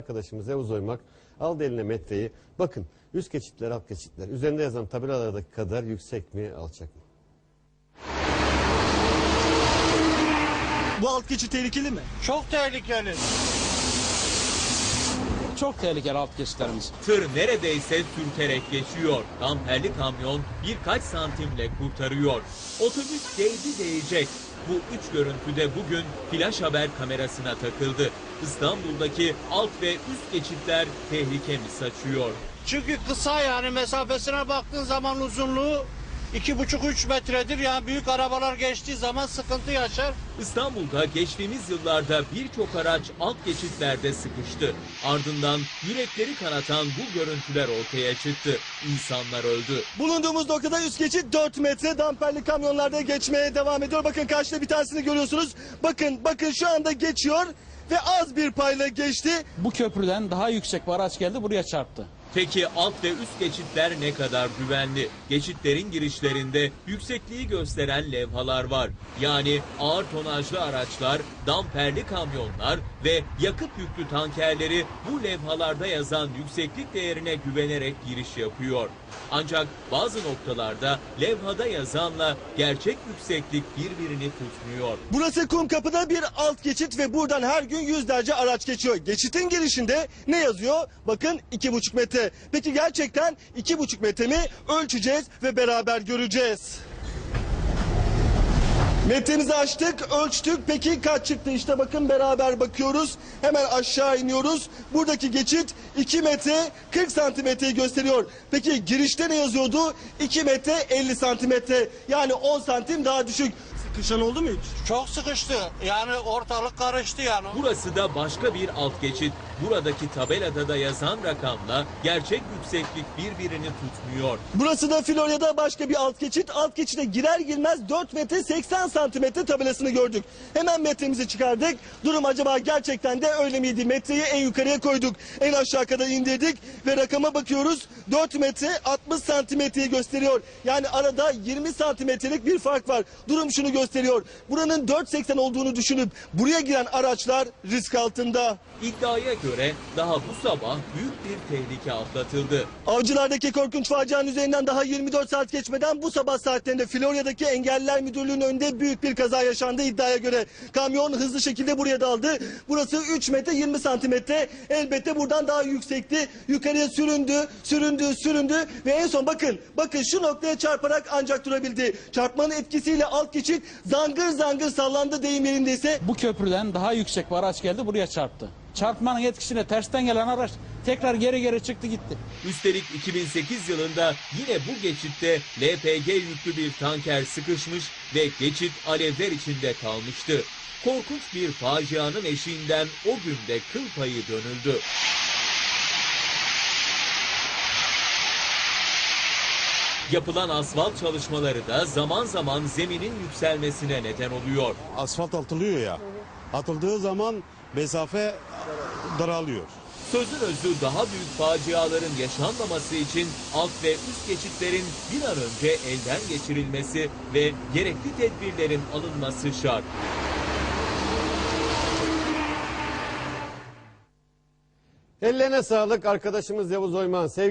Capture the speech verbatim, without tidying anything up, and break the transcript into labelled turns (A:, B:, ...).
A: Arkadaşımız Yavuz Oymak aldı eline metreyi. Bakın üst geçitler, alt geçitler. Üzerinde yazan tabelalardaki kadar yüksek mi, alçak mı?
B: Bu alt geçit tehlikeli mi?
C: Çok tehlikeli.
D: Çok tehlikeli alt geçitlerimiz.
E: Tır neredeyse sürterek geçiyor. Damperli kamyon birkaç santimle kurtarıyor. Otobüs değdi değecek. Bu üç görüntüde bugün flash haber kamerasına takıldı. İstanbul'daki alt ve üst geçitler tehlike mi saçıyor?
C: Çünkü kısa, yani mesafesine baktığın zaman uzunluğu iki buçuk üç metredir. Yani büyük arabalar geçtiği zaman sıkıntı yaşar.
E: İstanbul'da geçtiğimiz yıllarda birçok araç alt geçitlerde sıkıştı. Ardından yürekleri kanatan bu görüntüler ortaya çıktı. İnsanlar öldü.
B: Bulunduğumuz noktada üst geçit dört metre, damperli kamyonlarda geçmeye devam ediyor. Bakın karşıda bir tanesini görüyorsunuz. Bakın bakın şu anda geçiyor ve az bir payla geçti.
D: Bu köprüden daha yüksek bir araç geldi, buraya çarptı.
E: Peki alt ve üst geçitler ne kadar güvenli? Geçitlerin girişlerinde yüksekliği gösteren levhalar var. Yani ağır tonajlı araçlar, damperli kamyonlar ve yakıt yüklü tankerleri bu levhalarda yazan yükseklik değerine güvenerek giriş yapıyor. Ancak bazı noktalarda levhada yazanla gerçek yükseklik birbirini tutmuyor.
B: Burası Kumkapı'da bir alt geçit ve buradan her gün yüzlerce araç geçiyor. Geçitin girişinde ne yazıyor? Bakın iki buçuk metre. Peki gerçekten iki buçuk metre mi? Ölçeceğiz ve beraber göreceğiz. Metremizi açtık, ölçtük. Peki kaç çıktı? İşte bakın beraber bakıyoruz. Hemen aşağı iniyoruz. Buradaki geçit iki metre kırk santimetreyi gösteriyor. Peki girişte ne yazıyordu? iki metre elli santimetre. Yani on santim daha düşük. Sıkışan oldu mu hiç?
C: Çok sıkıştı. Yani ortalık karıştı yani.
E: Burası da başka bir alt geçit. Buradaki tabelada da yazan rakamla gerçek yükseklik birbirini tutmuyor.
B: Burası da Florya'da başka bir alt geçit. Alt geçide girer girmez dört metre seksen santimetre tabelasını gördük. Hemen metremizi çıkardık. Durum acaba gerçekten de öyle miydi? Metreyi en yukarıya koyduk. En aşağı kadar indirdik ve rakama bakıyoruz. dört metre altmış santimetreyi gösteriyor. Yani arada yirmi santimetrelik bir fark var. Durum şunu gösteriyor. Buranın dört seksen olduğunu düşünüp buraya giren araçlar risk altında.
E: İddiaya göre daha bu sabah büyük bir tehlike atlatıldı.
B: Avcılardaki korkunç facianın üzerinden daha yirmi dört saat geçmeden bu sabah saatlerinde Florya'daki Engelliler Müdürlüğü'nün önünde büyük bir kaza yaşandı iddiaya göre. Kamyon hızlı şekilde buraya daldı. Burası üç metre yirmi santimetre. Elbette buradan daha yüksekti. Yukarıya süründü, süründü, süründü ve en son bakın, bakın şu noktaya çarparak ancak durabildi. Çarpmanın etkisiyle alt geçit zangır zangır sallandı deyim yerindeyse.
D: Bu köprüden daha yüksek bir araç geldi, buraya çarptı. Çarpmanın etkisine tersten gelen araç tekrar geri geri çıktı gitti.
E: Üstelik iki bin sekiz yılında yine bu geçitte L P G yüklü bir tanker sıkışmış ve geçit alevler içinde kalmıştı. Korkunç bir facianın eşiğinden o günde kıl payı dönüldü. Yapılan asfalt çalışmaları da zaman zaman zeminin yükselmesine neden oluyor.
F: Asfalt atılıyor ya. Atıldığı zaman mesafe daralıyor.
E: Sözün özü daha büyük faciaların yaşanmaması için alt ve üst geçitlerin bir an önce elden geçirilmesi ve gerekli tedbirlerin alınması şart.
A: Ellerine sağlık arkadaşımız Yavuz Oymak'ın.